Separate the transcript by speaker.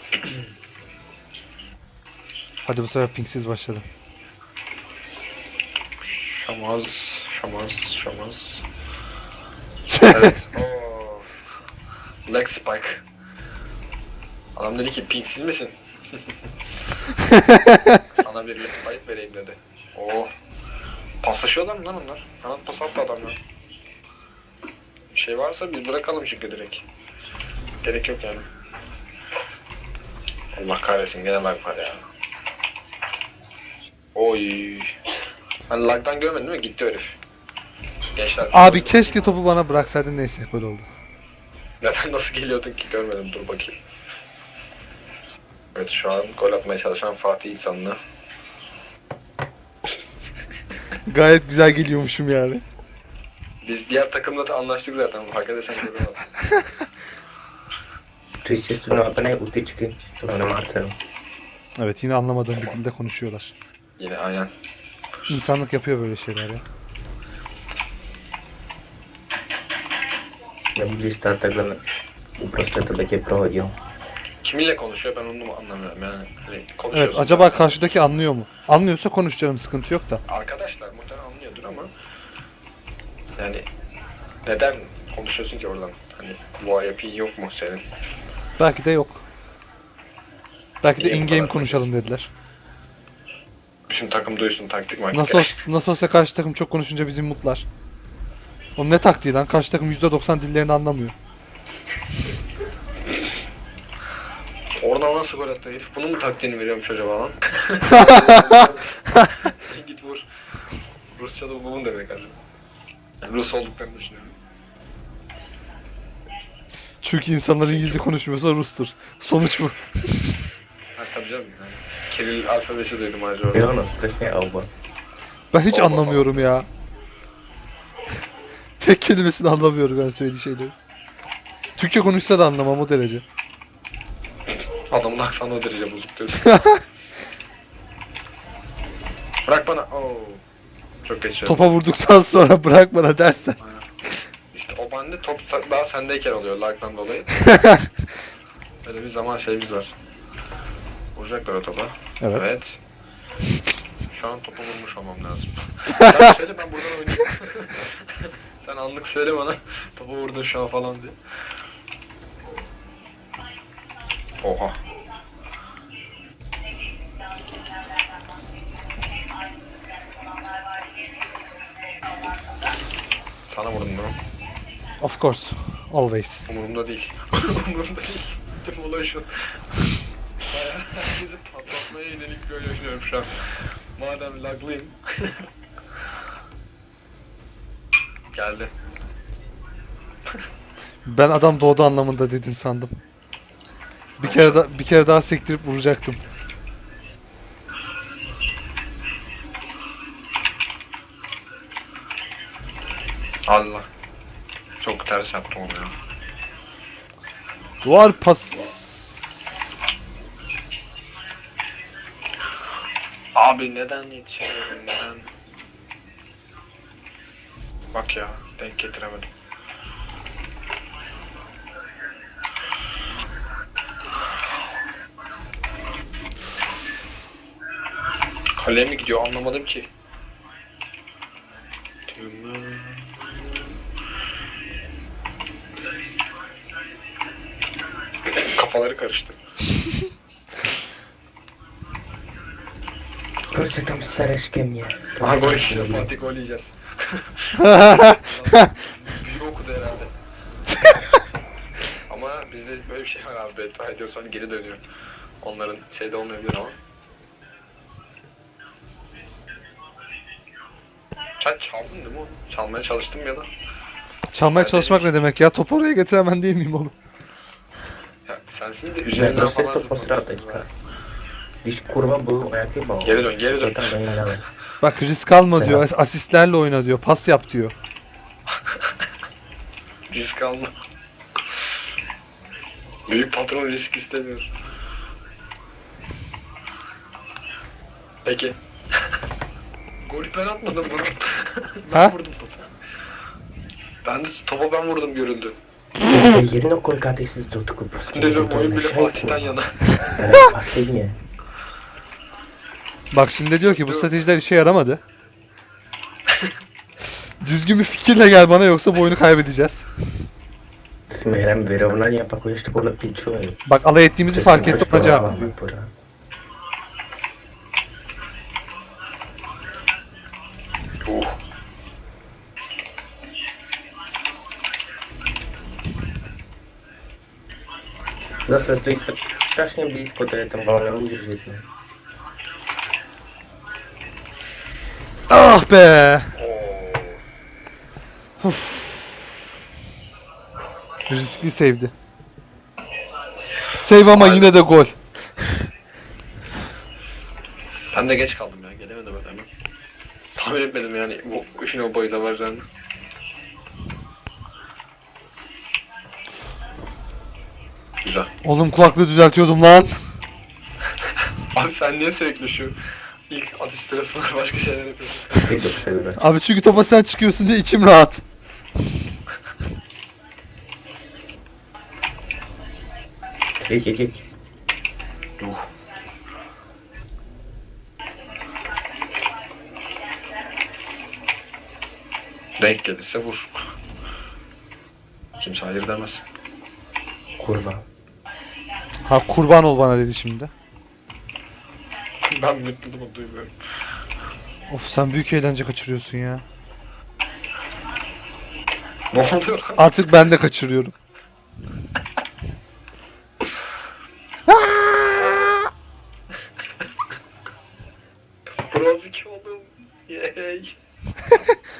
Speaker 1: Hadi bu sefer pingsiz başladım.
Speaker 2: Şamaz, şamaz, şamaz. Evet. Oo. Leg spike. Adam dedi ki pingsiz misin? Sana bir leg spike vereyim dedi. Oo. Paslaşıyorlar mı lan onlar? Kanat pas attı adamlar. Bir şey varsa biz bırakalım çünkü direkt. Gerek yok yani. Allah kahretsin gene lag var ya. Oy. Ben lag'dan görmedim değil mi? Gitti herif. Gençler.
Speaker 1: Abi keşke topu bana bıraksaydın, neyse böyle oldu.
Speaker 2: Neden nasıl geliyordun ki görmedim, dur bakayım. Evet şu an gol atmaya çalışan Fatih İhsanlı.
Speaker 1: Gayet güzel geliyormuşum yani.
Speaker 2: Biz diğer takımla da anlaştık zaten, fark edersen görüyorlar.
Speaker 3: Twitch सुनो अपने उठी चुके तो मैंने मारता हूँ
Speaker 1: Evet, yine anlamadığım bir dilde konuşuyorlar.
Speaker 2: Yine aynen.
Speaker 1: İnsanlık yapıyor böyle şeyler ya.
Speaker 3: मैं मुझे स्टार्ट तक करना ऊपर से तो बच्चे प्रो हो गया हूँ
Speaker 2: Kiminle konuşuyor ben onu anlamıyorum yani. Hani konuşuyoruz
Speaker 1: Evet, acaba
Speaker 2: zaten.
Speaker 1: karşıdaki anlıyor mu? Anlıyorsa konuş canım, sıkıntı yok da.
Speaker 2: Arkadaşlar muhtemelen anlıyordur ama yani neden konuşuyorsun ki oradan? Hani bu IP'in yok mu senin?
Speaker 1: Belki de yok. Belki de
Speaker 2: Niye bu
Speaker 1: in-game
Speaker 2: kadar
Speaker 1: konuşalım dediler.
Speaker 2: Bütün takım duysun, taktik maktik.
Speaker 1: Nasıl olsa karşı takım çok konuşunca bizi mutlar. Oğlum ne taktiği lan? Karşı takım %90 dillerini anlamıyor.
Speaker 2: Oradan nasıl gol attı herif? Bunun mu taktiğini veriyormuş acaba lan? Git vur. Rusça da bunun demek acaba. Yani Rus olduklarını düşünüyorum.
Speaker 1: Çünkü insanlar İngilizce konuşmuyorsa Rus'tur. Sonuç bu.
Speaker 2: Ha tabii canım yani. Kiril alfabesi duydum acaba.
Speaker 3: मेरा ना स्ट्रेस में आऊँगा
Speaker 1: Ben hiç
Speaker 2: Allah
Speaker 1: anlamıyorum ya. Tek kelimesini anlamıyorum ben söylediği şeyleri. Türkçe konuşsa da anlamam o derece.
Speaker 2: Adamın aksanı o derece bozuk diyorsun. Bırak bana. Oo. Çok geç.
Speaker 1: Topa vurduktan sonra bırak bana dersen.
Speaker 2: Aynen. İşte o bende top daha sendeyken oluyor lag'dan dolayı. Böyle bir zaman şeyimiz var. Vuracaklar o topa.
Speaker 1: Evet.
Speaker 2: Şu an topa vurmuş olmam lazım. Sen söyle ben buradan oynayayım. Sen anlık söyle bana. Topa vurdun şu an falan diye. Oha. Sana vurdum bunu.
Speaker 1: Of course. Always.
Speaker 2: Umurumda değil. Umurumda değil. Tüm olay şu. Bayağı herkesi patlatmaya yönelik böyle oynuyorum şu an. Madem laglıyım. Geldi.
Speaker 1: Ben adam doğdu anlamında dedin sandım. Bir kere daha sektirip vuracaktım.
Speaker 2: Allah. Çok ters yaptım onu ya.
Speaker 1: Duvar pas.
Speaker 2: Abi neden yetişemiyorum, neden? Bak ya, denk getiremedim. Kaleye mi gidiyor anlamadım ki. Kafaları karıştı.
Speaker 3: Короче, там Сараш ко мне.
Speaker 2: Aha gol yiyor, Fatih gol yiyeceğiz. Büyü okudu herhalde. Ama bizde böyle bir şey var abi, beddua ediyorsan geri dönüyor. Onların şeyde olmayabilir ama. Sen çaldın değil mi onu? Çalmaya çalıştım ya da.
Speaker 1: Çalmaya
Speaker 2: Ben
Speaker 1: çalışmak
Speaker 2: dedim
Speaker 1: ne demek ya? Topu oraya getiremen değil miyim oğlum?
Speaker 2: Ya sensin de
Speaker 3: Я
Speaker 2: üzerinden
Speaker 3: просто
Speaker 2: falan
Speaker 3: что посраточка Лишь kurva bu ayakı bağlı
Speaker 2: Geri dön, geri dön.
Speaker 3: Zaten beni alamaz
Speaker 1: Bak risk alma diyor,
Speaker 3: Selam.
Speaker 1: asistlerle oyna diyor, pas yap diyor.
Speaker 2: Risk alma. Büyük patron risk istemiyor. Peki. Golü ben atmadım bunu. Ben
Speaker 1: Ha?
Speaker 2: vurdum topu. Ben de topa ben vurdum görüldü.
Speaker 3: Yerine koy kardeşsiz durdu Kıbrıs.
Speaker 2: Dedim oyun bile Fatih'ten yana.
Speaker 3: Fatih niye?
Speaker 1: Bak şimdi diyor ki bu stratejiler işe yaramadı. Düzgün bir fikirle gel bana yoksa bu oyunu kaybedeceğiz.
Speaker 3: Smeram wyrównania pakuję jeszcze pole 5.
Speaker 1: Bak alay ettiğimizi fark etti ona cevap.
Speaker 3: Zase stoi strasznie blisko, to ja tam wolę użyć jedno.
Speaker 1: Ah be!
Speaker 2: Oo.
Speaker 1: Uf. Riskli save'di. Save ama yine de gol.
Speaker 2: Ben de geç kaldım ya. Gelemedim hemen. Tahmin etmedim yani bu işin o boyuta varacağını. Güzel.
Speaker 1: Oğlum kulaklığı düzeltiyordum lan.
Speaker 2: Abi sen niye sürekli şu ilk atış sırasında başka şeyler yapıyorsun?
Speaker 3: I do przerwy.
Speaker 1: Abi çünkü topa sen çıkıyorsun diye içim rahat.
Speaker 3: Jedź.
Speaker 2: Denk gelirse vur. Kimse hayır demez.
Speaker 3: Kurwa.
Speaker 1: Ha kurban ol bana dedi şimdi.
Speaker 2: Ben mutluluğumu duymuyorum.
Speaker 1: Of sen büyük eğlence kaçırıyorsun ya.
Speaker 2: Ne oluyor lan?
Speaker 1: Artık ben de kaçırıyorum.
Speaker 2: Bronz 2 oldum. Yay.